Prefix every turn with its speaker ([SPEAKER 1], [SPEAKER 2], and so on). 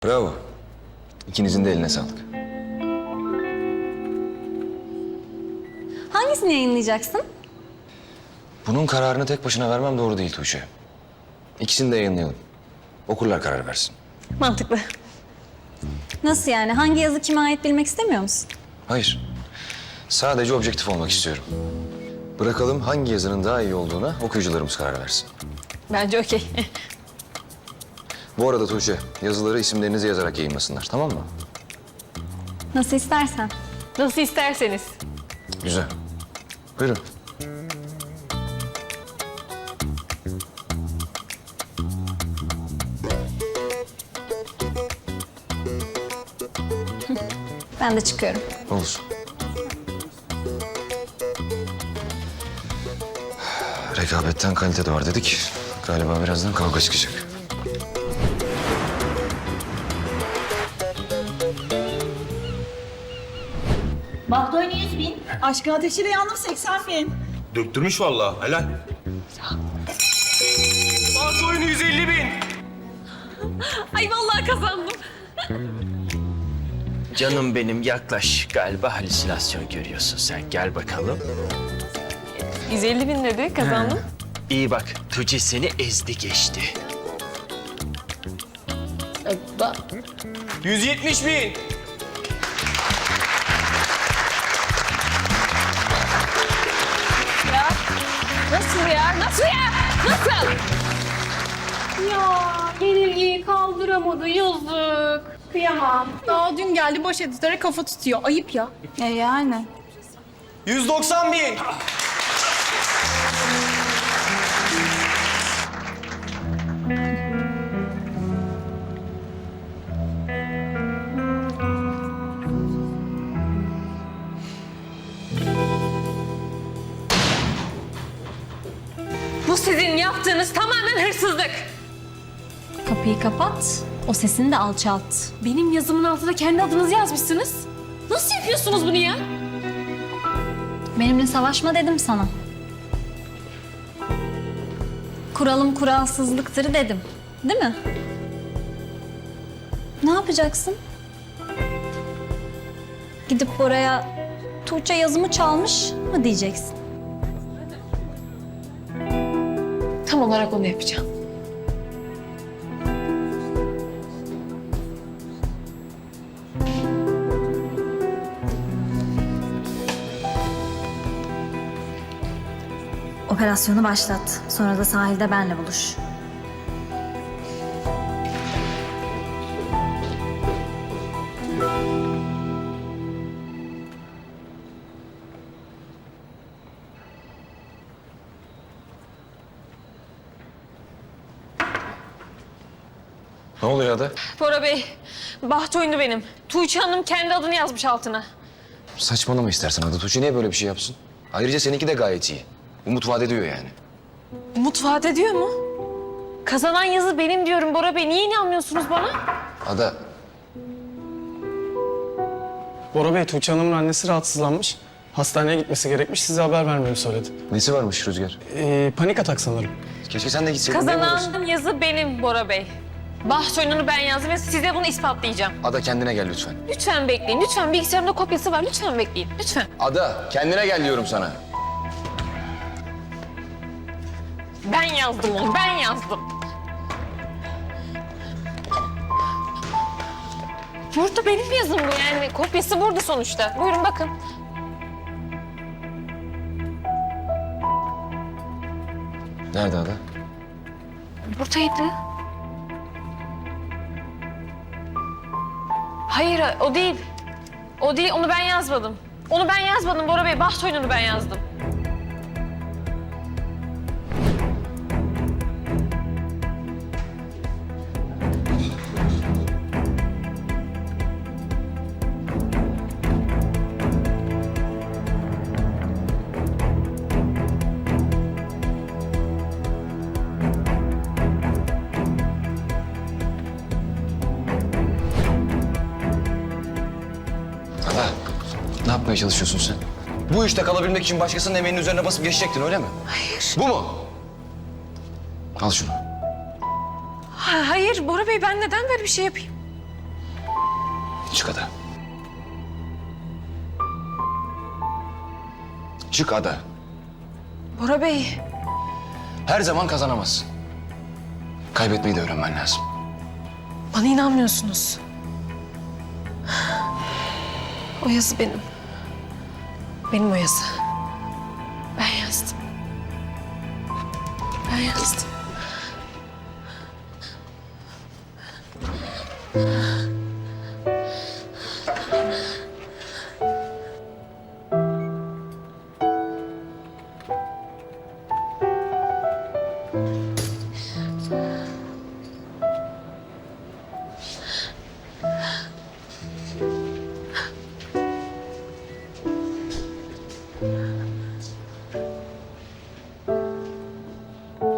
[SPEAKER 1] Bravo. İkinizin de eline sağlık.
[SPEAKER 2] Hangisini yayınlayacaksın?
[SPEAKER 1] Bunun kararını tek başına vermem doğru değil Tuğçe. İkisini de yayınlayalım. Okurlar karar versin.
[SPEAKER 2] Mantıklı. Nasıl yani? Hangi yazı kime ait bilmek istemiyor musun?
[SPEAKER 1] Hayır. Sadece objektif olmak istiyorum. Bırakalım hangi yazının daha iyi olduğuna okuyucularımız karar versin.
[SPEAKER 2] Bence okey.
[SPEAKER 1] Bu arada Tuğçe, yazıları isimlerinizi yazarak yayınlasınlar, tamam mı?
[SPEAKER 2] Nasıl istersen.
[SPEAKER 3] Nasıl isterseniz.
[SPEAKER 1] Güzel. Buyurun.
[SPEAKER 2] Ben de çıkıyorum.
[SPEAKER 1] Olsun. Rekabetten kalite de var dedik. Galiba birazdan kavga çıkacak.
[SPEAKER 4] Bahdoyne 100 bin. Aşkın ateşiyle yandım 80 bin.
[SPEAKER 5] Döktürmüş vallahi, helal. Bant oyunu 150 bin.
[SPEAKER 3] Ay vallahi kazandım.
[SPEAKER 6] Canım benim yaklaş. Galiba halüsinasyon görüyorsun sen. Gel bakalım.
[SPEAKER 3] 150 bin dedi, kazandım.
[SPEAKER 6] İyi bak. Tuğçe seni ezdi geçti.
[SPEAKER 5] 170 bin.
[SPEAKER 3] Nasıl ya? Nasıl ya? Nasıl? Ya yenilgiyi kaldıramadı, yazık. Kıyamam.
[SPEAKER 4] Daha dün geldi boş editöre kafa tutuyor. Ayıp ya. Yani.
[SPEAKER 5] 190 bin.
[SPEAKER 3] Bu sizin yaptığınız tamamen hırsızlık.
[SPEAKER 2] Kapıyı kapat, o sesini de alçalt.
[SPEAKER 3] Benim yazımın altına kendi adınızı yazmışsınız. Nasıl yapıyorsunuz bunu ya?
[SPEAKER 2] Benimle savaşma dedim sana. Kuralım kuralsızlıktır dedim. Değil mi? Ne yapacaksın? Gidip oraya Tuğçe yazımı çalmış mı diyeceksin?
[SPEAKER 3] Tam olarak onu yapacağım.
[SPEAKER 2] Operasyonu başlat. Sonra da sahilde benle buluş.
[SPEAKER 1] Ne oluyor Ada?
[SPEAKER 3] Bora Bey, baht oyunu benim. Tuğçe Hanım kendi adını yazmış altına.
[SPEAKER 1] Saçmalama istersen Ada. Tuğçe niye böyle bir şey yapsın? Ayrıca seninki de gayet iyi. Umut vaat ediyor yani.
[SPEAKER 3] Umut vaat ediyor mu? Kazanan yazı benim diyorum Bora Bey. Niye inanmıyorsunuz bana?
[SPEAKER 1] Ada,
[SPEAKER 7] Bora Bey, Tuğçe Hanım'ın annesi rahatsızlanmış. Hastaneye gitmesi gerekmiş. Size haber vermemi söyledi.
[SPEAKER 1] nesi varmış Rüzgar?
[SPEAKER 7] Panik atak sanırım.
[SPEAKER 1] Keşke sen de gitseydin. değil mi orası?
[SPEAKER 3] Kazanan yazı benim Bora Bey. Baht oyununu ben yazdım ve size bunu ispatlayacağım.
[SPEAKER 1] Ada kendine gel lütfen.
[SPEAKER 3] Lütfen bekleyin. Lütfen bilgisayarımda kopyası var. Lütfen bekleyin. Lütfen.
[SPEAKER 1] Ada, kendine gel diyorum sana.
[SPEAKER 3] Ben yazdım onu. Ben yazdım. Burada benim yazım bu yani. Kopyası burada sonuçta. Buyurun bakın.
[SPEAKER 1] Nerede Ada?
[SPEAKER 3] Buradaydı. Hayır o değil. O değil. Onu ben yazmadım. Onu ben yazmadım Bora Bey. Baht oyununu ben yazdım.
[SPEAKER 1] Ada, ne yapmaya çalışıyorsun sen? Bu işte kalabilmek için başkasının emeğinin üzerine basıp geçecektin öyle mi? Hayır. Bu mu? Al şunu.
[SPEAKER 3] Hayır Bora Bey, ben neden böyle bir şey yapayım?
[SPEAKER 1] Çık Ada. Çık Ada.
[SPEAKER 3] Bora Bey.
[SPEAKER 1] Her zaman kazanamazsın. Kaybetmeyi de öğrenmen lazım.
[SPEAKER 3] Bana inanmıyorsunuz. O yazı benim. Benim o yazı. Ben yazdım. Ben yazdım.